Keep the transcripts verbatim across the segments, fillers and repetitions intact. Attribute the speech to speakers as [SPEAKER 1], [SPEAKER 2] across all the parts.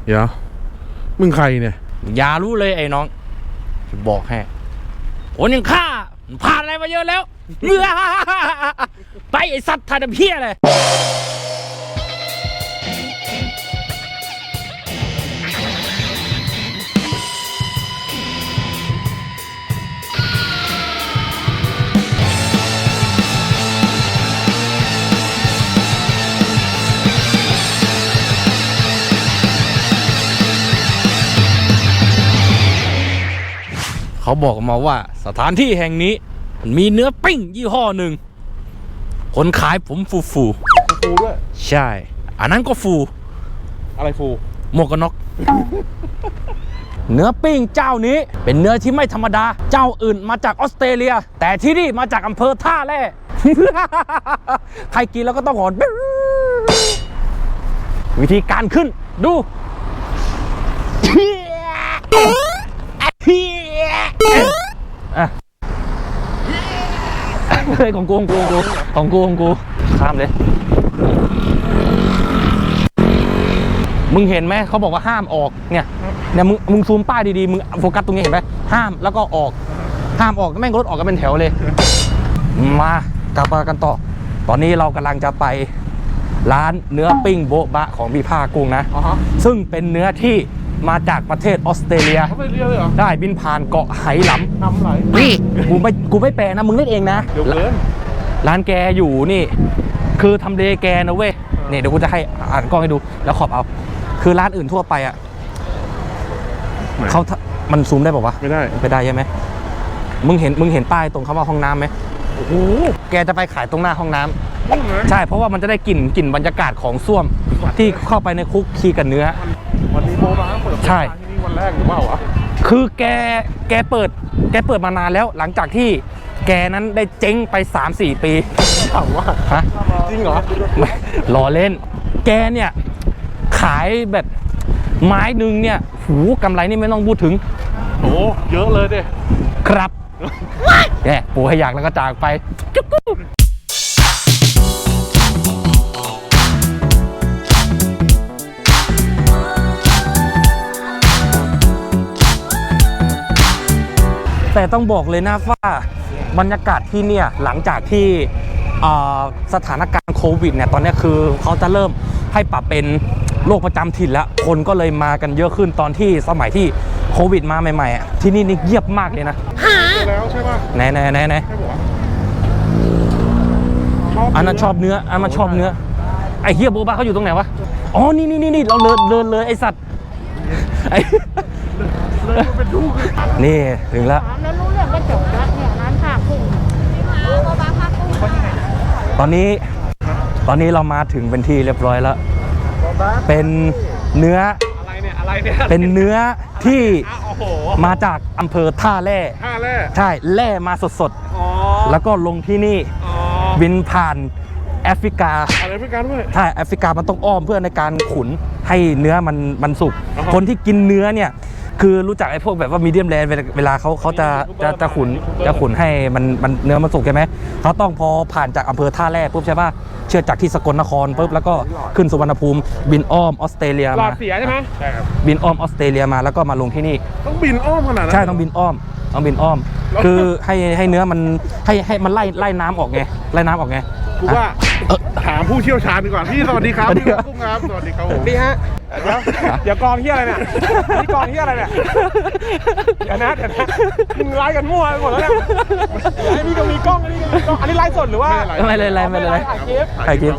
[SPEAKER 1] เดี๋ยวมึงใครเนี่ย
[SPEAKER 2] อย่ารู้เลยไอ้น้องจะบอกให้คนอย่างข้าผ่านอะไรมาเยอะแล้วเมื่อไปไอ้สัตว์ทาดเพี้ยเลยเขาบอกมาว่าสถานที่แห่งนี้มันมีเนื้อปิ้งยี่ห้อหนึ่งคนขายผมฟูฟู
[SPEAKER 1] ฟูด้วย
[SPEAKER 2] ใช่อันนั้นก็ฟู
[SPEAKER 1] อะไรฟู
[SPEAKER 2] หมวกกันน็อก เนื้อปิ้งเจ้านี้เป็นเนื้อที่ไม่ธรรมดาเจ้าอื่นมาจากออสเตรเลียแต่ที่นี่มาจากอำเภอท่าแร่ ใครกินแล้วก็ต้องหอน วิธีการขึ้นดูเฮ้ยของกูของกูของกูของกูข้ามเลยมึงเห็นไหมเขาบอกว่าห้ามออกเนี่ยเนี่ยมึงมึงซูมป้ายดีๆมึงโฟกัสตรงนี้เห็นไหมห้ามแล้วก็ออกห้ามออกแม่งรถออกกันเป็นแถวเลยมากลับมากันต่อตอนนี้เรากำลังจะไปร้านเนื้อปิ้งโบ๊ะบะของพี่ภาคกุ้งนะ uh-huh. ซึ่งเป็นเนื้อที่มาจากประเทศออสเตรเลียได้บินผ่านเกาะไหหลำ
[SPEAKER 1] นำไหล
[SPEAKER 2] นี่กูไม่กูไม่แปลนะมึงเล่นเองนะ
[SPEAKER 1] เดี๋ยวเกิน
[SPEAKER 2] ร้านแกอยู่นี่คือทำเลแกนะเว้ยนี่เดี๋ยวกูจะให้อ่านกล้องให้ดูแล้วขอบเอาคือร้านอื่นทั่วไปอ่ะเขามันซูมได้ป่าววะ
[SPEAKER 1] ไม่ได้
[SPEAKER 2] ไม่ได้ใช่ไหมมึงเห็นมึงเห็นป้ายตรงคำว่าห้องน้ำไหมโอ้โหแกจะไปขายตรงหน้าห้องน้ำใช่เพราะว่ามันจะได้กลิ่นกลิ่นบรรยากาศของส้วมที่เข้าไปในคุกคีกันเนื้อ
[SPEAKER 1] วันนี้โบราณเปิดใช่ที่นี่วันแรกหรือเปล่าวะ
[SPEAKER 2] คือแกแกเปิดแกเปิดมานานแล้วหลังจากที่แกนั้นได้เจ๊งไป สามสี่ ปี
[SPEAKER 1] ถามว่า
[SPEAKER 2] ฮะ
[SPEAKER 1] จริงเหรอ
[SPEAKER 2] ไม่ล้อเล่นแกเนี่ยขายแบบไม้หนึ่งเนี่ยหูกำไรนี่ไม่ต้องพูดถึง
[SPEAKER 1] โอ้เยอะเลยดิ
[SPEAKER 2] ครับแกปูให้อยากแล้วก็จากไปแต่ต้องบอกเลยนะว่าบรรยากาศที่เนี่ยหลังจากที่สถานการณ์โควิดเนี่ยตอนนี้คือเขาจะเริ่มให้ปรับเป็นโรคประจำถิ่นแล้วคนก็เลยมากันเยอะขึ้นตอนที่สมัยที่โควิดมาใหม่ๆที่นี่นี่เงียบมากเลยนะ
[SPEAKER 1] แล้วใช่ป่ะ
[SPEAKER 2] ไหนไหนไหนไหนอันนั้นชอบเนื้ออันนั้นชอบเนื้อไอ้เฮียโบบาเขาอยู่ตรงไหนวะอ๋อนี่นี่นี่เราเดินเดินเลยไอ้สัตว์ไอ้นี่ถึงแล้ว
[SPEAKER 3] แล้วรู้เรื่องก็จบแล้วเนี่ยร้านผ้ากุ้งโบบาผ้ากุ้ง
[SPEAKER 2] ตอนนี้ตอนนี้เรามาถึงเป็นที่เรียบร้อยแล้วเป็นเนื้อ
[SPEAKER 1] อะไรเนี่ยอะไรเนี่ย
[SPEAKER 2] เป็นเนื้อที่มาจากอำเภอท่าแร่
[SPEAKER 1] ท่าแร่
[SPEAKER 2] ใช่แร่มาสดๆแล้วก็ลงที่นี่บินผ่านแอฟริกา
[SPEAKER 1] แอฟริกาด้วย
[SPEAKER 2] ใช่แอฟริกามันต้องอ้อมเพื่อในการขุนให้เนื้อมันมันสุกคนที่กินเนื้อเนี่ยคือรู้จักไอ้พวกแบบว่ามีเดียมแรร์เวลาเขาเขาจะจะจะขุนจะขุนให้มันมันเนื้อมันสุกใช่ไหมเขาต้องพอผ่านจากอำเภอท่าแร่ปุ๊บใช่ป่ะเชื่อจากที่สกลนครปุ๊บแล้วก็ขึ้นสุวรรณภูมิบินอ้อมออสเตรเลียมาหล
[SPEAKER 1] อดเสียใช่ไหมใช่ครับ
[SPEAKER 2] บินอ้อมออสเตรเลียมาแล้วก็มาลงที่นี่
[SPEAKER 1] ต้องบินอ้อมขนาดนั้น
[SPEAKER 2] ใช่ต้องบินอ้อมต้องบินอ้อมคือให้ให้เนื้อมันให้ให้มันไล่ไล่น้ำออกไงไล่น้ำออกไง
[SPEAKER 1] กูว่าถามผู้เชี่ยวชาญดีกว่าพี่สวัสดีครับพี่กุ้งครับสวัสดีครับผม
[SPEAKER 4] ดีฮะเดี๋ยวเดี๋ยวกองที่อะไรเนี่ยนี่กองที่อะไรเนี่ยเดี๋ยวนะเดี๋ยวนะมึงไล่กันมั่วไปหมดแล้วเนี่ยไอ้นี่ก็มีกล้องอันนี้ก็มีกล้องอันนี้ไลฟ์สดหรือว่า
[SPEAKER 2] ไม่เลยไลฟ์ไม่เลย
[SPEAKER 4] ถ่ายคลิป
[SPEAKER 2] ถ่ายคลิป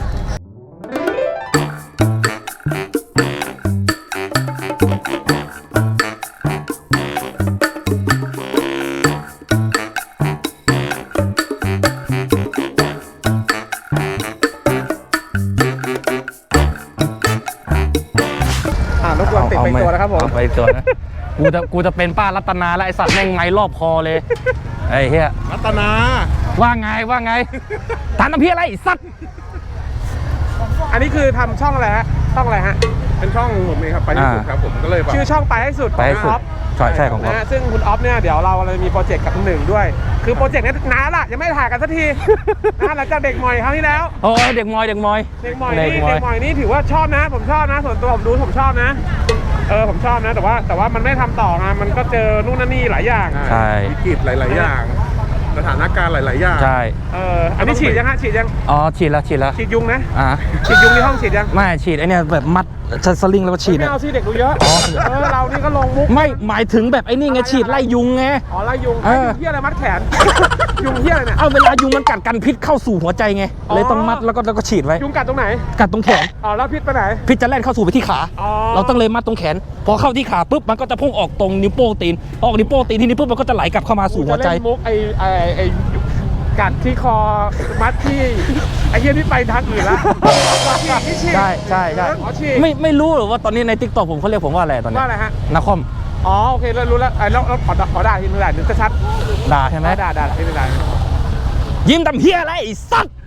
[SPEAKER 4] ติดไปตัวนะครับผม
[SPEAKER 2] ไปตัวนะกูจะกูจะเป็นป้ารัตนาแล้วไอสัตว์แม่งไงรอบคอเลยไอ้เหี้ย
[SPEAKER 1] รัตนา
[SPEAKER 2] ว่าไงว่าไงทานน้ำพี่อะไรสัตว์
[SPEAKER 4] อันนี้คือทำช่องอะไรฮะช่องอะไรฮะ
[SPEAKER 1] เป็นช่องผมเองครับไปให้สุดครับผมก็เลย
[SPEAKER 4] ชื่อช่องไปให้สุด
[SPEAKER 2] ไปให้สุดใช่ใช่ของเขา
[SPEAKER 4] นะฮะซึ่งคุณออฟเนี่ยเดี๋ยวเราเลยมีโปรเจกต์กับคุณหนึ่งด้วย คือโปรเจกต์นี้นานละยังไม่ถ่ายกันสักที นะหลังจากเด็กมอยครั้งที่แล้ว
[SPEAKER 2] โอ้ยเด็กมอยเด็กมอย
[SPEAKER 4] เด็กมอยนี่เด็กมอยนี่ถือว่าชอบนะ ผมชอบนะ ส่วนตัวผมดูผมชอบนะเออผมชอบนะแต่ว่าแต่ว่ามันไม่ทำต่อไงมันก็เจอนู่นนั่นนี่หลายอย่าง
[SPEAKER 2] ใช่
[SPEAKER 1] วิกฤตหลาย ๆ อย่าง สถานการณ์หลาย ๆ อย่าง
[SPEAKER 2] ใช่
[SPEAKER 4] เอออันนี้ฉีดยังฮะฉีดยัง
[SPEAKER 2] อ๋อฉีดแล้วฉีดแล้ว
[SPEAKER 4] ฉีดยุงนะ
[SPEAKER 2] อ่า
[SPEAKER 4] ฉีดยุงที่ห้องฉีดยัง
[SPEAKER 2] ไม่ฉีดไอเนี่ยแบบมัดสลิงแล้วก็ฉีด
[SPEAKER 4] ไม่
[SPEAKER 2] อะ
[SPEAKER 4] เอาสิเด็กดูเยอะ
[SPEAKER 2] อ๋อ
[SPEAKER 4] เออเรานี่ก็ลงมุก
[SPEAKER 2] ไม่หมายถึงแบบไอ้นี่ไงฉีดไล่ยุงไง
[SPEAKER 4] อ๋อไล่ยุง
[SPEAKER 2] เอ
[SPEAKER 4] ไอ้
[SPEAKER 2] อ
[SPEAKER 4] ยุงเหี้ยอะไรมัดแขน ยุงเหี้ยอะไรเนี่ย
[SPEAKER 2] เอาเวลายุงมันกัดกันพิษเข้าสู่หัวใจไง
[SPEAKER 4] อ๋อ
[SPEAKER 2] เลยต้องมัดแล้วก็แล้วก็ฉีดไว้
[SPEAKER 4] ยุงกัดตรงไหน
[SPEAKER 2] กัดตรงแขน
[SPEAKER 4] อ๋อแล้วพิษไปไหน
[SPEAKER 2] พิษจะแล่นเข้าสู่ไปที่ขา
[SPEAKER 4] อ๋อ
[SPEAKER 2] เราต้องเลยมัดตรงแขน พอเข้าที่ขาปุ๊บมันก็จะพุ่งออกตรงนิ้วโป้งตีนออกนิ้วโป้งตีนที่นี้ปุ๊บมันก็จะไหลกลับเข้ามาสู่หัวใจ
[SPEAKER 4] จะเล่นมุกไอ้ไอ้ไอ้กัดที่คอมัดที่ไอ้เหี้ยนี่ไปทางอื่นละฉีดนี่ฉีด
[SPEAKER 2] ใช่ใช่ใช่
[SPEAKER 4] อ๋อฉีด
[SPEAKER 2] ไม่ไม่รู้หรือว่าตอนนี้ในทิกตอกผมเขาเรียกผมว่าอะไรตอนนี้
[SPEAKER 4] ว่าอะไรฮะ
[SPEAKER 2] นาคอม
[SPEAKER 4] อ๋อโอเคแล้วรู้แล้วไอ้แล้วแล้วขอขอด่าทีนึงด่านึงชัด
[SPEAKER 2] ด่าใช่
[SPEAKER 4] ๆ
[SPEAKER 2] ไหม
[SPEAKER 4] ด่าด่าด่าทีนึงด่า
[SPEAKER 2] ยิ้มทำเฮียอะไรไอ้สัตว์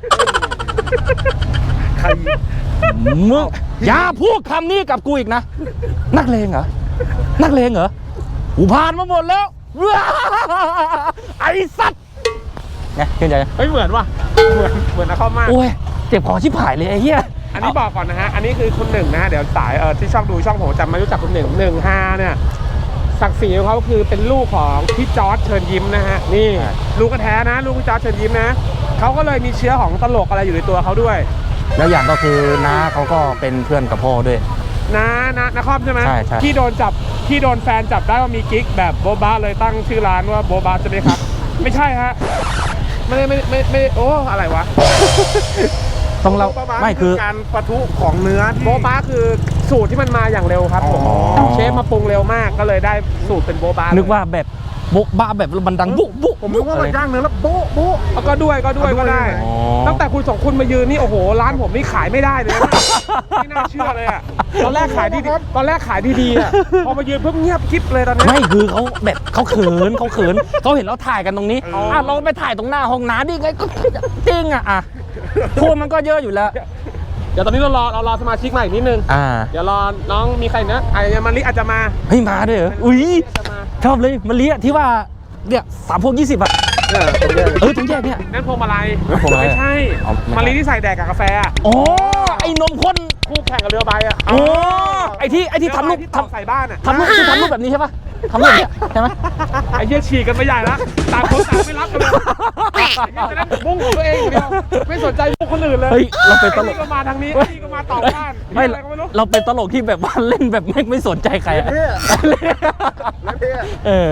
[SPEAKER 1] ใคร
[SPEAKER 2] มึงอย่าพูดคำนี้กับกูอีกนะ นักเลงเหรอ นักเลงเหรอกูผ่านมาหมดแล้ว ไอ้สัตว์ไงเข้าใจ
[SPEAKER 4] เฮ้ยเหมือนว่ะเหมือนเหมือนนะเข้ามาก
[SPEAKER 2] โอ้ยเจ็บคอชิบหายเลยไอ้เหี้ย
[SPEAKER 4] อันนี้บอกก่อนนะฮะ อันนี้คือคุณหนึ่งนะฮะ เดี๋ยวสายเออที่ช่องดูช่องผมจำไม่รู้จักคุณหนึ่งหนึ่งฮาเนี่ยศักดิ์ศรีของเขาคือเป็นลูกของพี่จอร์จเชิญยิ้มนะฮะ นี่
[SPEAKER 2] ใช่
[SPEAKER 4] ลูกกระแท้นะ ลูกพี่จอร์จเชิญยิ้มนะเขาก็เลยมีเชื้อของตลกอะไรอยู่ในตัวเขาด้วย
[SPEAKER 2] แล้วอย่างก็คือน้าเขาก็เป็นเพื่อนกับพ่อด้วย
[SPEAKER 4] นะนะนะครอบใช่ไหม
[SPEAKER 2] ใช่ใช่
[SPEAKER 4] ที่โดนจับที่โดนแฟนจับได้ว่ามีกิ๊กแบบโบบาเลยตั้งชื่อร้านว่าโบบาใช่ไหมครับ ไม่ใช่ฮะไม่ได้ไม่ไม่ไม่โอ้อะไรวะ
[SPEAKER 2] ต้องเรา
[SPEAKER 1] ประมาณ
[SPEAKER 2] ไม่คือ
[SPEAKER 1] การปะทุของเนื้อที่
[SPEAKER 4] โบบาคือสูตรที่มันมาอย่างเร็วครับผม
[SPEAKER 1] อ๋อ
[SPEAKER 4] เชฟมาปรุงเร็วมากก็เลยได้สูตรเป็นโบบา
[SPEAKER 2] นึ
[SPEAKER 4] นึ
[SPEAKER 2] กว่าแบบโบ๊ะบ้าแบบมันดังบุ๊บุ๊
[SPEAKER 1] ผมนึกว่ามันย่างเนื้อแล้วโบ๊ะโบ๊ะ
[SPEAKER 4] ก็ด้วยก็ด้วยก็ได้
[SPEAKER 2] อ๋อ
[SPEAKER 4] ตั้งแต่คุณสองคนมายืนนี่โอ้โหร้านผมนี่ขายไม่ได้เลยนะไม่น่าเชื่อเลยอะตอนแรกขายดีๆตอนแรกขายดีๆอะพอมายืนเพิ่งเงียบคลิปเลยตอนนี้
[SPEAKER 2] ไม่คือเขาแบบเขาเขินเขาเขินเขาเห็นเราถ่ายกันตรงนี้
[SPEAKER 4] อ๋ออ่
[SPEAKER 2] อ่ะเราไปถ่ายตรงหน้าห้องน้ำดิไงก็จริงอ่ะอ่ะคนมันก็เยอะอยู่แล้ว
[SPEAKER 4] เดี๋ยวตอนนี้เรารอเรารอสมาชิกใหม่อีกนิดนึง
[SPEAKER 2] อ่า
[SPEAKER 4] เดี๋ยวรอน้องมีใครนะไอ้มาริอาจจะมา
[SPEAKER 2] เฮ้ยมาด้วยเหรออุ้ย
[SPEAKER 4] จะมา
[SPEAKER 2] ชอบเลยมะลิอะที่ว่าเนี่ยสามพวงยี่สิบอ่ะ
[SPEAKER 1] เออผมเนี่ย
[SPEAKER 2] เออถุงแยกเนี่ย
[SPEAKER 4] นั่นพวงมาลัย
[SPEAKER 2] พวงมาลัย
[SPEAKER 4] ไม่ใช่
[SPEAKER 2] อ๋อไม่ใช่
[SPEAKER 4] มาริที่ใส่แดกกับกาแฟอะ
[SPEAKER 2] อ๋อไอ้นมข้น
[SPEAKER 4] คู่แข่งกับเรือใบอะ
[SPEAKER 2] อ๋อไอ้ที่ไอ้ที่ทำรูป
[SPEAKER 4] ที่
[SPEAKER 2] ท
[SPEAKER 4] ทำใส่บ้านอะ
[SPEAKER 2] ำทำรูปที่ทำรูปแบบนี้ใช่ปะทำรูปแบบเนี้ยใช่ไหม
[SPEAKER 4] ไอ้เหี้ยฉีกกันไปใหญ่ละต่างคนต่างไม่รับกันเลยไอ้เหี้ยจะเล่นมุ้งของตัวเองอย่างเดียวไม่สนใจมุ้งคนอื่นเลย
[SPEAKER 2] เฮ้ยเราเป็นตล
[SPEAKER 4] ไอ้
[SPEAKER 2] ก
[SPEAKER 4] นี่ก็มาทางนี้ไอ้นี่ก็มาต่อบ้าน
[SPEAKER 2] ไม่
[SPEAKER 4] อะไรก็ไม่รู้
[SPEAKER 2] เราเป็นตลกที่แบบว่าเล่นแบบไม่ไม่สนใจใครอะ
[SPEAKER 1] เนี่ยเนี่ย
[SPEAKER 2] เออ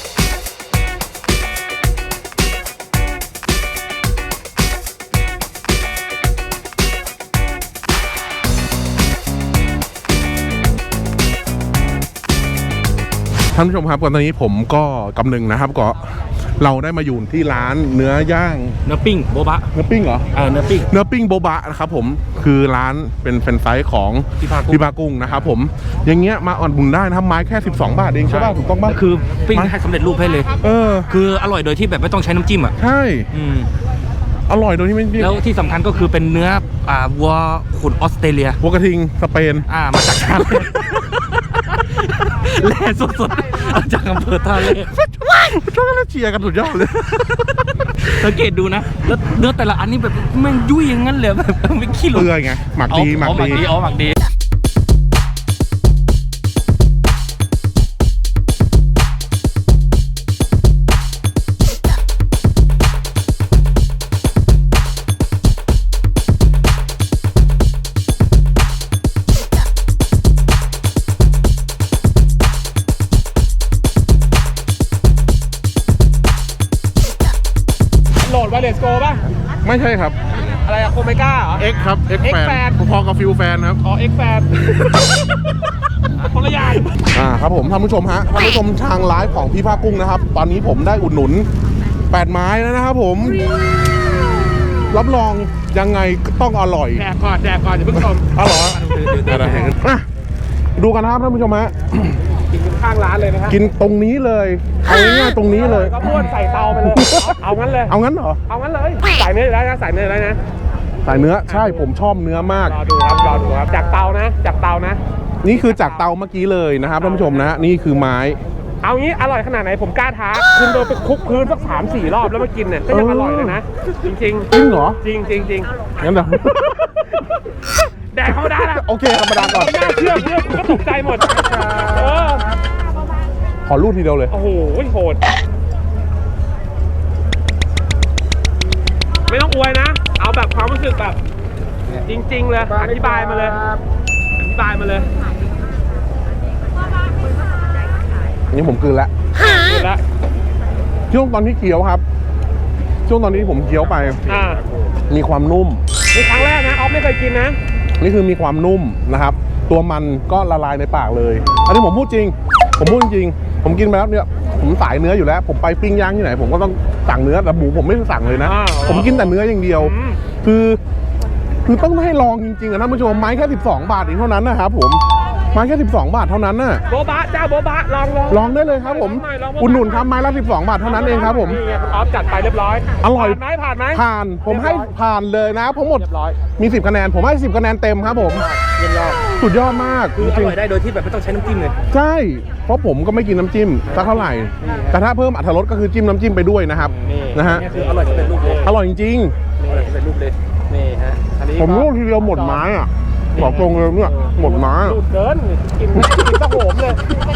[SPEAKER 1] ท่านผู้ชมครับก่อนตอนนี้ผมก็กำนึงนะครับก็เราได้มาอยู่ที่ร้านเนื้อย่าง
[SPEAKER 2] เนื้อปิ้งโบบะ
[SPEAKER 1] เนื้อปิ้งเหรอ
[SPEAKER 2] เออเนื้อปิ้ง
[SPEAKER 1] เนื้อปิ้งโบบะนะครับผมคือร้านเป็นแฟรนไชส์ของ
[SPEAKER 2] พี่พากุ้ง
[SPEAKER 1] พี่พากุ้งนะครับผมอย่างเงี้ยมาอ่อนบุญได้นะครับไม้แค่สิบสองบาทเองใช่ป่ะถูกต้องป่ะ
[SPEAKER 2] คือปิ้งให้สำเร็จรูปให้เลย
[SPEAKER 1] เออ
[SPEAKER 2] คืออร่อยโดยที่แบบไม่ต้องใช้น้ำจิ้มอ่ะ
[SPEAKER 1] ใช่
[SPEAKER 2] อืม
[SPEAKER 1] อร่อยโดยที่ไม่
[SPEAKER 2] แล้วที่สำคัญก็คือเป็นเนื้ออ่าวัวขุนออสเตรเลีย
[SPEAKER 1] วัวกระทิงสเปน
[SPEAKER 2] อ่ามาจากท่าเรือแล่สดๆเอาจากอำเภอท่าเรือ
[SPEAKER 1] ช่วยกันเชียร์กันสุดยอดเลย
[SPEAKER 2] สังเกตดูนะแล้วเนื้อแต่ละอันนี่แบบแม่งยุ่ยอย่างนั้นเลยแบบไม่ขี้หล
[SPEAKER 1] เปื่อยไงหมักดีหมัก
[SPEAKER 2] อ๋อหมัก
[SPEAKER 1] ดี
[SPEAKER 2] ดีอ๋อหมักดี
[SPEAKER 4] โหลดไวเลสโกป่ะ
[SPEAKER 1] ไม่ใช่ครับ
[SPEAKER 4] อะไรอะโคเมก้าเหรอ
[SPEAKER 1] X ครับ X
[SPEAKER 4] X
[SPEAKER 1] แฟน
[SPEAKER 4] Fan
[SPEAKER 1] พอๆกับฟิลแฟนครับ
[SPEAKER 4] อ๋อ X แฟนคนละอย่าง
[SPEAKER 1] อ่าครับผมท่านผู้ชมฮะท่านผู้ชมทางไลฟ์ของพี่ภาคกุ้งนะครับ ตอนนี้ผมได้อุดหนุนแปดไม้แล้วนะครับผม รับรองยังไงก็ต้องอร่อย
[SPEAKER 4] แจกก่อนแจกก่อนอย่าเพิ่งชม
[SPEAKER 1] อร่อยอะไรอ่ะดูกันนะครับท่านผู้ชมฮะ
[SPEAKER 4] กินข้างร้านเลยนะฮะ
[SPEAKER 1] กินตรงนี้เลยเอาง่ายๆตรงนี้เลย
[SPEAKER 4] ก็พูดใส่เตาไปเลยเอาเอางั้นเลย
[SPEAKER 1] เอางั้นเหรอ
[SPEAKER 4] เอางั้นเลยใส่เนื้ออยู่แล้วนะใส่เนื้ออยู่แล้วนะ
[SPEAKER 1] ใส่เนื้อใช่ผมชอบเนื้อมาก
[SPEAKER 4] รอดูครับรอดูครับจากเตานะจากเตานะ
[SPEAKER 1] นี่คือจากเตาเมื่อกี้เลยนะครับท่านผู้ชมนะนี่คือไม้
[SPEAKER 4] เอางี้อร่อยขนาดไหนผมกล้าท้าคุณโดนไปคลุกพื้นสักสามสี่รอบแล้วมากินเนี่ยก็ยังอร่อยเลยนะ จริงๆ
[SPEAKER 1] จริงเหรอ
[SPEAKER 4] จริงจริงจริง
[SPEAKER 1] งั้นเดี๋ยว
[SPEAKER 4] แดกธรรมดาละ
[SPEAKER 1] โอเคธรรมดาก่อน
[SPEAKER 4] ไม่น่าเชื่อเพื่อนก็ตกใจหมดเออ
[SPEAKER 1] ขอรูดทีเดียวเลย
[SPEAKER 4] โอ้โหโหดไม่ต้องอวยนะ เอาแบบความรู้สึกแบบ จริง ๆ เลยอธิบายมาเลยอธิบายมาเลย
[SPEAKER 1] อันนี้ผมกลืนแล้ว
[SPEAKER 4] แล้ว
[SPEAKER 1] ช่วงตอนที่เคี้ยวครับ ช่วงตอนนี้ผมเคี้ยวไป
[SPEAKER 4] อ่า
[SPEAKER 1] มีความนุ่ม
[SPEAKER 4] นี่ครั้งแรกนะออฟไม่เคยกินนะ
[SPEAKER 1] นี่คือมีความนุ่มนะครับ ตัวมันก็ละลายในปากเลย อันนี้ผมพูดจริง ผมพูดจริง ผมกินไปแล้วเนี่ย ผมสายเนื้ออยู่แล้ว ผมไปปิ้งย่างที่ไหน ผมก็ต้องสั่งเนื้อแต่หมูผมไม่สั่งเลยนะ
[SPEAKER 4] อ่า
[SPEAKER 1] ผมกินแต่เนื้ออย่างเดียว
[SPEAKER 4] อืม
[SPEAKER 1] คือ คือต้องให้ลองจริงๆอะท่านผู้ชม ไม้แค่สิบสองบาทเองเท่านั้นนะครับผม ไม้แค่สิบสองบาทเท่านั้นน่ะ
[SPEAKER 4] โบบะเจ้าโบบะลองลอง
[SPEAKER 1] ลองได้เลยครับผม
[SPEAKER 4] ลองหน่อยลอง
[SPEAKER 1] อุดหนุนครับไม้ละสิบสองบาทเท่านั้นเองครับผม
[SPEAKER 4] นี่ไงคุณออฟจัดไปเรียบร้อย
[SPEAKER 1] อร่อย
[SPEAKER 4] ผ่านไหมผ่านไหม
[SPEAKER 1] ผ่าน ผมให้ผ่านเลยนะผมหมด
[SPEAKER 4] เรียบร้อย
[SPEAKER 1] มีสิบคะแนน ผมให้สิบคะแนนเต็มครับผม
[SPEAKER 4] เยี่ยมยอด
[SPEAKER 1] สุดยอดมาก
[SPEAKER 2] คืออ
[SPEAKER 1] จริง
[SPEAKER 2] ร่อยได้โดยที่แบบไม่ต้องใช้น้ำจิ้มเลย
[SPEAKER 1] ๆใช่ เพราะผมก็ไม่กินน้ำจิ้มสักเท่าไหร่ แต่ถ้าเพิ่มอรรถรสก็คือจิ้มน้ำจิ้มไปด้วยนะครับ
[SPEAKER 4] นี่
[SPEAKER 1] นะฮะ
[SPEAKER 2] นี่คืออร่อยจะเป็นรูปเลย
[SPEAKER 1] อร่อยจริง
[SPEAKER 2] อร่อยจะเป็นรูปเลย
[SPEAKER 4] นี่ฮะอันนี้
[SPEAKER 1] ๆ ผมรู้ทีเดียวหมดไม้อ่ะบอกตรงเลยเนี่ยหมดไม้
[SPEAKER 4] ดูดเกินกินกินตะโหมเลย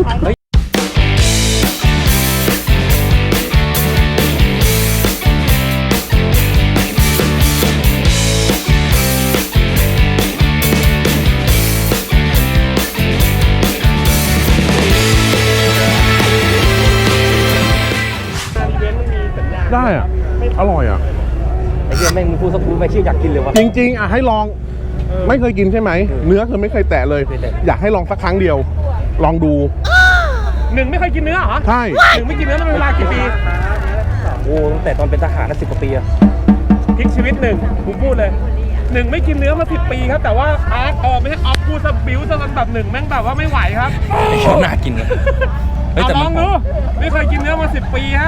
[SPEAKER 1] ได้อ่ะ อร่อยอ่ะ
[SPEAKER 2] ไอ้เหี้ยแม่งมึงพูดสักพูดไปเชี่ยอยากกินเลยวะ
[SPEAKER 1] จริงๆอ่ะให้ลอง ไม่เคยกินใช่ไหม เนื้อคือไม่เคยแตะเลย
[SPEAKER 2] ไม่เคยแตะ
[SPEAKER 1] อยากให้ลองสักครั้งเดียว ลองดู
[SPEAKER 4] หนึ่งไม่เคยกินเนื้อเหรอ
[SPEAKER 1] ใช่
[SPEAKER 4] หนึ่งไม่กินเนื้อมาเป็นเวลากี่ปี
[SPEAKER 2] โอ้ตั้งแต่ตอนเป็นทหารน่ะสิบกว่าปีอะ
[SPEAKER 4] พลิกชีวิตหนึ่งผมพูดเลยหนึ่งไม่กินเนื้อมาสิบปีครับ แต่ว่าออฟเออไม่ใช่ออฟพูดสบิวซะจนแบบหนึ่งแม่งแบบว่าไม่ไหวครับ
[SPEAKER 2] ไอ้เชี่ยน่ากินเลยเฮ้ย
[SPEAKER 4] เอา
[SPEAKER 2] แต่
[SPEAKER 4] ล
[SPEAKER 2] มั
[SPEAKER 4] อน งดูไม่เคยกินเนื้อมาสิบปีฮะ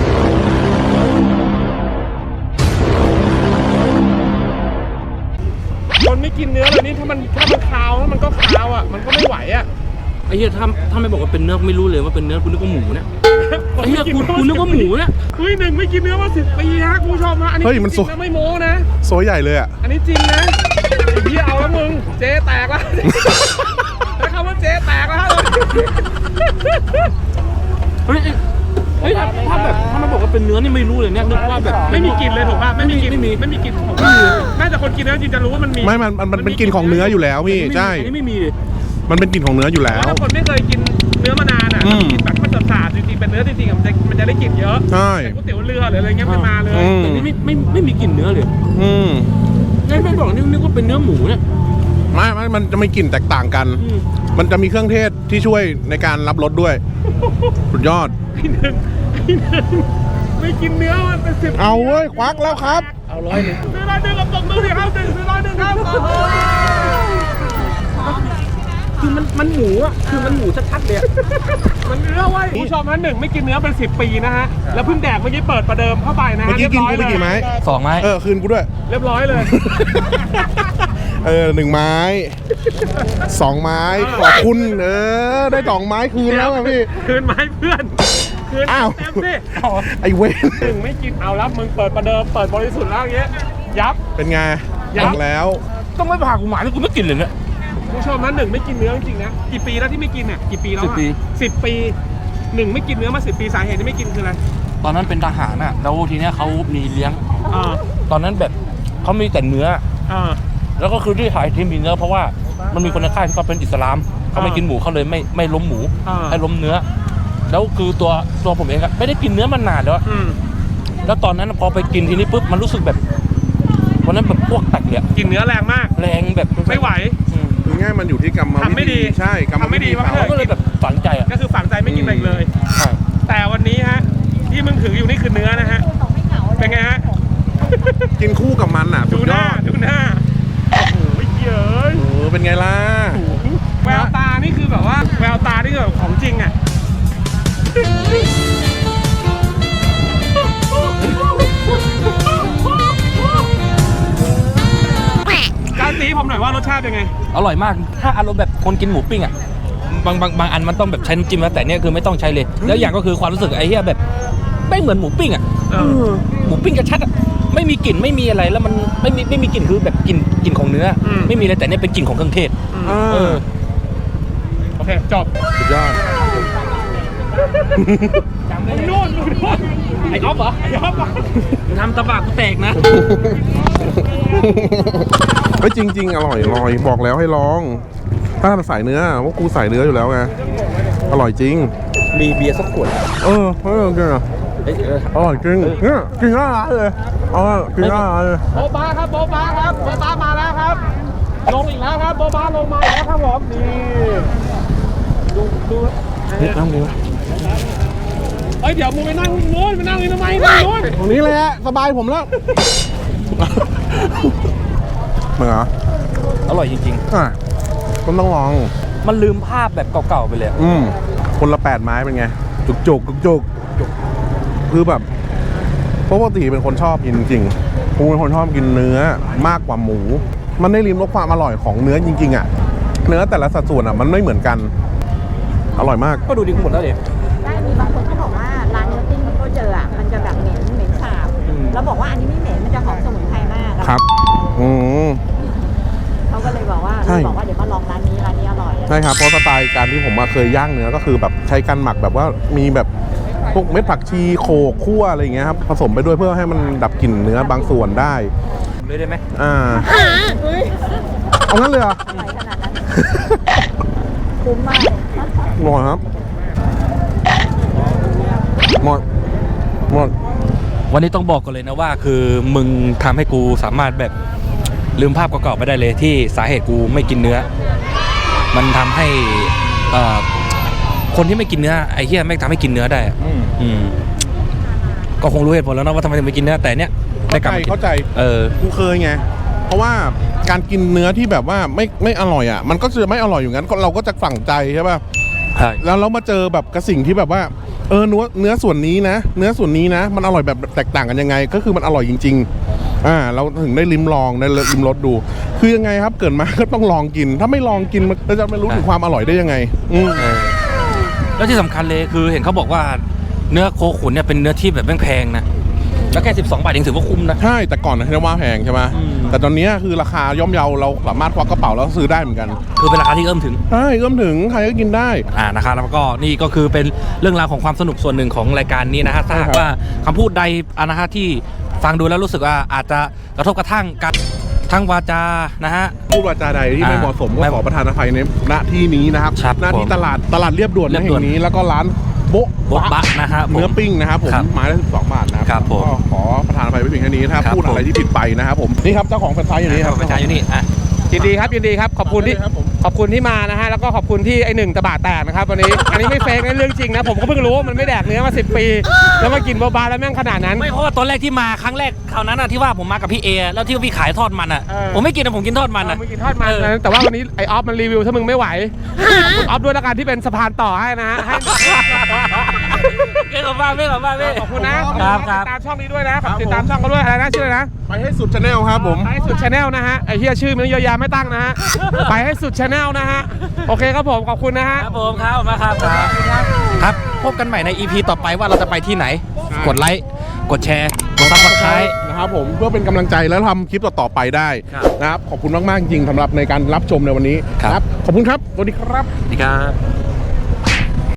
[SPEAKER 4] คนไม่กินเนื้อเลยนี่ถ้ามันถ้ามันคาวแล้วมันก็คาวอ่ะมันก็ไม่ไหวอ่ะ
[SPEAKER 2] ไอ้เหี้ยถ้าถ้าไม่บอกว่าเป็นเนื้อไม่รู้เลยว่าเป็นเนื้อกูนึกว่าหมูเนี่ยไอ้เหี้ยกูกูนึกว่าหมูเนี่ย
[SPEAKER 4] เฮ้ยหนึ่งไม่กินเนื้อมาสิบปีฮะคุณผู้ชมฮะอันนี้
[SPEAKER 1] เฮ้ยมัน
[SPEAKER 4] จ
[SPEAKER 1] สุ
[SPEAKER 4] ริงๆนะไม่โม้นะ
[SPEAKER 1] โซใหญ่เลยอ่ะ
[SPEAKER 4] อันนี้จริงนะไอ้เหี้ยเอาแล้วมึงเจ๊แตกแล้วใช้คำว่าเจ๊แตกแล้วฮะ
[SPEAKER 2] เฮ้ยเฮ้ยถ้าถ้าแบบถ้ามันบอกว่าเป็นเนื้อนี่ไม่รู้เลยเนี่ยนึกว่าแบบ
[SPEAKER 4] ไม่มีกลิ่นเลยถูกป่ะไม่มีกลิ่น
[SPEAKER 2] ไม่มี
[SPEAKER 4] ไม่มีกลิ่นของน่าจะคนกินเนื้อจริงจะรู้ว่ามันมี
[SPEAKER 1] ไม่ มันมันมันเป็นกลิ่นของเนื้ออยู่แล้วพี่ ใช่
[SPEAKER 2] อันนี้ไม่มีเลย
[SPEAKER 1] มันเป็นกลิ่นของเนื้ออยู่
[SPEAKER 4] เพ
[SPEAKER 1] แล้
[SPEAKER 4] ราะ
[SPEAKER 1] ว
[SPEAKER 4] ถ้าคนไม่เคยกินเนื้อมานานอ่ะ
[SPEAKER 1] อืม
[SPEAKER 4] กินแบบมันสาดๆจริงๆเป็นเนื้อจริงๆอะมันจะมันจะได้กลิ่นเยอะ
[SPEAKER 1] ใช่
[SPEAKER 4] เป็นก๋วยเตี๋ยวเรือหรืออะไรเงี้ยไม่มาเลย
[SPEAKER 1] อืม
[SPEAKER 2] แต่นี่ไม่ไม่ไม่มีกลิ่นเนื้อเลย
[SPEAKER 1] อืม
[SPEAKER 2] ไอ้ไม่บอกนี่นึกว่าเป็นเนื้อหมูเนี่ย
[SPEAKER 1] ไม่ไม่มันจะมีกลิ่นแตกต่างกัน
[SPEAKER 2] อืม
[SPEAKER 1] มันจะมีเครื่องเทศที่ช่วยในการรับรสด้วย สุดยอด
[SPEAKER 4] ไอ้หนึ่งไอ้หนึ่งไม่กินเนื้อมันเป็นสิบ
[SPEAKER 1] เอาเว้ย ควักแล้วครับ
[SPEAKER 2] เอาร้อยหนึ่ง
[SPEAKER 4] ซื้อร้อยหนึ่งกับตกมือสิครับหนึ่งซื้อร้อยหนึ่งครับโอ้โห
[SPEAKER 2] คือมันมันหมูอ่ะคือมันหมูชัดๆเลยอะ
[SPEAKER 4] มันเนื้อไว้ยคุณผู้ชมฮะหนึ่งไม่กินเนื้อเป็นสิบปีนะฮะแล้วเพิ่งแดกเมื่อกี้เปิดประเดิมเข้าไปนะ
[SPEAKER 1] เมื่
[SPEAKER 4] ฮะ
[SPEAKER 1] อกี้กินกูไป
[SPEAKER 4] เรียบ
[SPEAKER 1] กี่
[SPEAKER 4] ร้
[SPEAKER 1] ไม้
[SPEAKER 4] อยเลย
[SPEAKER 2] สองไม้
[SPEAKER 1] เออ คืนกูด้วย
[SPEAKER 4] เรียบร้อยเลย
[SPEAKER 1] เออหนึ่งไม้ สองไม้ ขอบคุณ เออ ได้สองไม้คืนแล้วอะพี่
[SPEAKER 4] คืนไม้เพื่อนคืน
[SPEAKER 1] อ้าว
[SPEAKER 4] เต็มสิ
[SPEAKER 1] ไอเวน
[SPEAKER 4] หนึ่งไม่กินเอาแล้วมึงเปิดประเดิมเปิดบริสุทธิ์แล้วอย่างเงี้ยยับ
[SPEAKER 1] เป็นไง
[SPEAKER 4] ยั
[SPEAKER 1] ยั
[SPEAKER 4] บ
[SPEAKER 1] งแล้ว
[SPEAKER 2] ต้องไม่ผ่ากูหมาที่กูไม่กินเลยเนี่ย
[SPEAKER 4] ผู้ชมนะหนึ่งไม่กินเนื้อจริงๆนะกี่ปีแล้วที่ไม่กินเนี่ยกี่ปีแล้ว
[SPEAKER 2] สิบปี
[SPEAKER 4] สิบปีหนึ่งไม่กินเนื้อมาสิบปีสาเหตุที่ไม่กินคืออะไร
[SPEAKER 2] ตอนนั้นเป็นทหารอ่ะแล้วทีเนี้ยเขามีเลี้ยง
[SPEAKER 4] อ่า
[SPEAKER 2] ตอนนั้นแบบเขามีแต่เนื้อ
[SPEAKER 4] อ่า
[SPEAKER 2] แล้วก็คือที่ถ่ายทีมมีเนื้อเพราะว่ามันมีคนในค่ายที่เขาเป็นอิสลามเขาไม่
[SPEAKER 4] อ่ากิ
[SPEAKER 2] กินหมูเขาเลยไม่ไม่ล้มหมู
[SPEAKER 4] อ่า
[SPEAKER 2] ให้ล้มเนื้อ แล้วคือตัวตัวผมเองอะไม่ได้กินเนื้อมานานแล้วอะ
[SPEAKER 4] อืม
[SPEAKER 2] แล้วตอนนั้นพอไปกินทีนี้ปุ๊บมันรู้สึกแบบวันนั้นแบบพวกแตกเลยอะ
[SPEAKER 4] กินเนื้อแรงมาก
[SPEAKER 2] แรงแบบ
[SPEAKER 4] ไม่ไหว
[SPEAKER 2] อืม
[SPEAKER 1] คือง่ายมันอยู่ที่กรรมวิธี
[SPEAKER 4] ทำไม่ดี
[SPEAKER 1] ใช่กรรม
[SPEAKER 4] ทำไม่
[SPEAKER 1] วิ
[SPEAKER 4] ดี
[SPEAKER 1] ธี
[SPEAKER 4] มาก
[SPEAKER 1] เขา
[SPEAKER 2] เขาก็เลยแบบฝังใจอะ
[SPEAKER 4] ก็คือฝังใจไม่กินอะไรอีกเลย
[SPEAKER 2] ใช่
[SPEAKER 4] แต่วันนี้ฮะที่มึงถืออยู่นี่คือเนื้อนะฮะเป็นไงฮะ
[SPEAKER 1] กินคู่กับมันอ่ะ สุ
[SPEAKER 4] ดู
[SPEAKER 1] ด
[SPEAKER 4] ห
[SPEAKER 1] ย
[SPEAKER 4] น้า
[SPEAKER 1] อด
[SPEAKER 4] ดูหน้าโอ้โหเยอะ
[SPEAKER 1] เออเป็นไงล่ะ
[SPEAKER 4] แววตานี่คือแบบว่าแววตานี่คือแบบของจริงอ่ะการตีผมหน่อยว่ารสชาติเป็นไง
[SPEAKER 2] อร่อยมากถ้าอารมณ์แบบคนกินหมูปิ้งอะบางบางบางอันมันต้องแบบใช้น้ำจิ้มนะแต่เนี่ยคือไม่ต้องใช้เลย แล้วอย่างก็คือความรู้สึกไอ้เหี้ยแบบไม่เหมือนหมูปิ้งอ่ะหมูปิ้งกระชัดอ่ะไม่มีกลิ่นไม่มีอะไรแล้วมันไม่มีไม่มีกลิ่นคือแบบกลิ่นกลิ่นของเนื้ออไม่มีเลยแต่เนี่ยเป็นกลิ่นของเครื่องเทศ
[SPEAKER 1] เออ
[SPEAKER 4] โอเคจบ
[SPEAKER 1] สุดยอด
[SPEAKER 4] มึงนู่นมึงนู่นไอ้ออฟเหรอไอ้ออฟเหรอ
[SPEAKER 2] ทำตะบากกูแตกนะ
[SPEAKER 1] เฮ้ยจริง ๆ อร่อยอร่อยบอกแล้วให้ลอง ถ้าใส่เนื้อพวกกูใส่เนื้ออยู่แล้วไงอร่อยจริง
[SPEAKER 2] มีเบียร์สักขวด
[SPEAKER 1] เออเออจริงอ่ะ
[SPEAKER 2] เอ้ยเออ
[SPEAKER 1] อร่อยจริงเนี่ยกินหน้าร้านเลยเออกินหน้าร้านเลย
[SPEAKER 4] โบะบ้าครับโบะบ้าครับโบะบ้ามาแล้วครับ ลงอีกแล้วครับโบะบ้าลงมาอีกแล้วครับผมนี่ดูดู
[SPEAKER 1] นี่น้ำดีวะ
[SPEAKER 4] เอ้ยเดี๋ยวมึงไปนั่งนู้นไปนั่งนี่ทำไมนั่งนู้น
[SPEAKER 1] ตรงนี้เลยฮะสบายผมแล้วเหมือนเหรอ
[SPEAKER 2] อร่อยจริง
[SPEAKER 1] อ่ะคุณต้องลอง
[SPEAKER 2] ๆ มันลืมภาพแบบเก่าๆไปเลย
[SPEAKER 1] อืมคนละแปดไม้เป็นไง จุกจุกจุกจุกจุกคือแบบปกติเป็นคนชอบกินจริงๆผมเป็นคนชอบกินเนื้อมากกว่าหมู มันได้ลิ้มรสความอร่อยของเนื้อจริงๆอ่ะ เนื้อแต่ละสัดส่วนอ่ะมันไม่เหมือนกัน อร่อยมาก
[SPEAKER 2] ก็ดูดีหมดแล้วเด็ก
[SPEAKER 3] ได้มีบางคนเขาบอกว่าร้านเนื้อปิ้งที่เขาเจออ่ะมันจะแบบเหม็นเหม็นสาบ
[SPEAKER 2] อืม
[SPEAKER 3] แล้วบอกว่าอันนี้ไม่เหม็นมันจะหอมสมุนไพรมากอะ
[SPEAKER 1] ครับ อืม
[SPEAKER 3] เขาก็เลยบอกว่า
[SPEAKER 1] ใช่
[SPEAKER 3] เลยบอกว่าเดี๋ยวมาลองร้านนี้ร้านนี้อร่อย
[SPEAKER 1] ใช่ครับ เพราะสไตล์การที่ผมมาเคยย่างเนื้อก็คือแบบใช้การหมักแบบว่ามีแบบพวกเม็ดผักชีโขกคั่วอะไรอย่างเงี้ยครับผสมไปด้วยเพื่อให้มันดับกลิ่นเนื้อบางส่วนได้
[SPEAKER 2] เลยได้ไหม
[SPEAKER 1] อ่าเอางั้นเลยเหรอ
[SPEAKER 3] อร่อยขนาดนั้น คุ้มมาก
[SPEAKER 1] หมดครับหมดหมด
[SPEAKER 2] วันนี้ต้องบอกกันเลยนะว่าคือมึงทำให้กูสามารถแบบลืมภาพเก่าๆไปได้เลยที่สาเหตุกูไม่กินเนื้อ มันทำให้เอ่อคนที่ไม่กินเนื้อไอ้เหี้ยไม่งทำให้กินเนื้อได้อะ
[SPEAKER 1] อืม
[SPEAKER 2] อืมก็คงรู้เหตุผลแล้วนะว่าทำไมถึงไม่กินเนื้อแต่เนี้ยได้
[SPEAKER 1] เข้าก
[SPEAKER 2] ลับ
[SPEAKER 1] ใจ
[SPEAKER 2] มากิน
[SPEAKER 1] เข้าใจ
[SPEAKER 2] เออ
[SPEAKER 1] กูเคยไง เพราะว่าการกินเนื้อที่แบบว่าไม่ไม่อร่อยอ่ะ มันก็จะไม่อร่อยอยู่งั้นเราก็จะฝังใจใช่ป่ะ
[SPEAKER 2] ใช่
[SPEAKER 1] แล้วเรามาเจอแบบกระสิ่งที่แบบว่า เออเนื้อเนื้อส่วนนี้นะ เนื้อส่วนนี้นะ มันอร่อยแบบแตกต่างกันยังไง ก็คือมันอร่อยจริง ๆ อ่า เราถึงได้ลิ้มลองได้ลิ้มรสดู คือยังไงครับ เกิดมา ก็ต้องลองกิน ถ้าไม่ลองกินมันเราจะไม่รู้ถึงความอร่อยได้ยังไง อืม
[SPEAKER 2] เออแล้วที่สำคัญเลยคือเห็นเขาบอกว่าเนื้อโคขุนเนี่ยเป็นเนื้อที่แบบแพงๆนะแล้วแค่สิบสองบาทเองถือว่าคุ้มนะ
[SPEAKER 1] ใช่ แต่ก่อนนะที่ว่าแพงใช่ไหม
[SPEAKER 2] อืม
[SPEAKER 1] แต่ตอนนี้คือราคาย่อมเยาเราสามารถควักกระเป๋าแล้วซื้อได้เหมือนกัน
[SPEAKER 2] คือเป็นราคาที่เอื้อมถึง
[SPEAKER 1] ใช่เอื้อมถึงใครก็กินได้
[SPEAKER 2] อ่านะครับแล้วก็นี่ก็คือเป็นเรื่องราวของความสนุกส่วนหนึ่งของรายการนี้นะฮะถ้าหากว่าคำพูดใดอะนะฮะที่ฟังดูแล้วรู้สึกว่าอาจจะกระทบกระทั่งกันทั้งวาจานะฮะ
[SPEAKER 1] พูดวาจาใดที่ไม่
[SPEAKER 2] อ่า
[SPEAKER 1] เหมาะสมก็
[SPEAKER 2] ไม่
[SPEAKER 1] ขอประทานอภัยในณที่นี้นะครับ
[SPEAKER 2] ครับ
[SPEAKER 1] หน้าที่
[SPEAKER 2] ผม
[SPEAKER 1] ตลาดตลาดเรียบด่วน
[SPEAKER 2] เรียบ
[SPEAKER 1] แห่
[SPEAKER 2] ด่วน
[SPEAKER 1] งนี้แล้วก็ร้านโบ๊ะ
[SPEAKER 2] โบ๊ะบะนะฮะผม
[SPEAKER 1] เนื้อปิ้งนะครับผม
[SPEAKER 2] ครับ
[SPEAKER 1] ไม้ละสิบสองบาทนะครับ
[SPEAKER 2] ครับผม
[SPEAKER 1] ก็ขอประทานอภัยไว้เพียงแค่นี้นะครับ
[SPEAKER 2] ครับ
[SPEAKER 1] พูดอะไร
[SPEAKER 2] ผม
[SPEAKER 1] ที่ผิดไปนะครับผมนี่ครับเจ้าของแฟรนไชส์อยู่นี่ครับ
[SPEAKER 2] ประชาอยู่นี่อ่ะ
[SPEAKER 4] ยินดีครับยินดีครับขอบคุณที่
[SPEAKER 1] ครับผม
[SPEAKER 4] ขอบคุณที่มานะฮะแล้วก็ขอบคุณที่ไอหนึ่งตะบะแตกนะครับวันนี้ อันนี้ไม่เฟกนะเรื่องจริงนะผมก็เพิ่งรู้ว่ามันไม่แดกเนื้อมาสิบปี แล้วมากินโบบาแล้วแม่งขนาดนั้น
[SPEAKER 2] ไม่เพราะว่าตอนแรกที่มาครั้งแรกคราวนั้นอะที่ว่าผมมากับพี่เอแล้วที่พี่ขายทอดมันอะ
[SPEAKER 4] เออ
[SPEAKER 2] ผมไม่กินนะผมกินทอดมัน
[SPEAKER 4] เอ
[SPEAKER 2] อะ
[SPEAKER 4] อมึงกินทอดมัน
[SPEAKER 2] เออ
[SPEAKER 4] นะแต่ว่าวันนี้ไอออฟมันรีวิวถ้ามึงไม่ไหวคุณออฟด้วยละกันที่เป็นสะพานต่อให้นะฮะให้
[SPEAKER 2] เก่งมากเก่งมากเก่ง
[SPEAKER 4] ขอบคุณนะครับ
[SPEAKER 2] ครับ
[SPEAKER 4] ติดตามช่องนี้ด้วยนะฝากติดตามช่องเขาด้วยอะไรนะชื่ออะไรนะ
[SPEAKER 1] ไปให้สุดชาแนลครับผม
[SPEAKER 4] ไปให้สุดชาแนลนะฮะไอเฮียชื่อมันเยอะแยะไม่ตั้งนะฮะไปให้สุดชาแนลนะฮะโอเคครับผมขอบคุณนะฮะ
[SPEAKER 2] ครับผมครับมาครับครับครับพบกันใหม่ใน อี พี ต่อไปว่าเราจะไปที่ไหน กดไลค์กดแชร์กดซับสไครต์
[SPEAKER 1] นะครับผมเพื่อเป็นกำลังใจแล้วทำคลิปต่อๆไปได้
[SPEAKER 2] ครับ
[SPEAKER 1] นะครับขอบคุณมากๆจริงๆสำหรับในการรับชมในวันนี้
[SPEAKER 2] ครับ
[SPEAKER 1] ขอบคุณครับสวัสดีครับ
[SPEAKER 2] สวัสดีครับ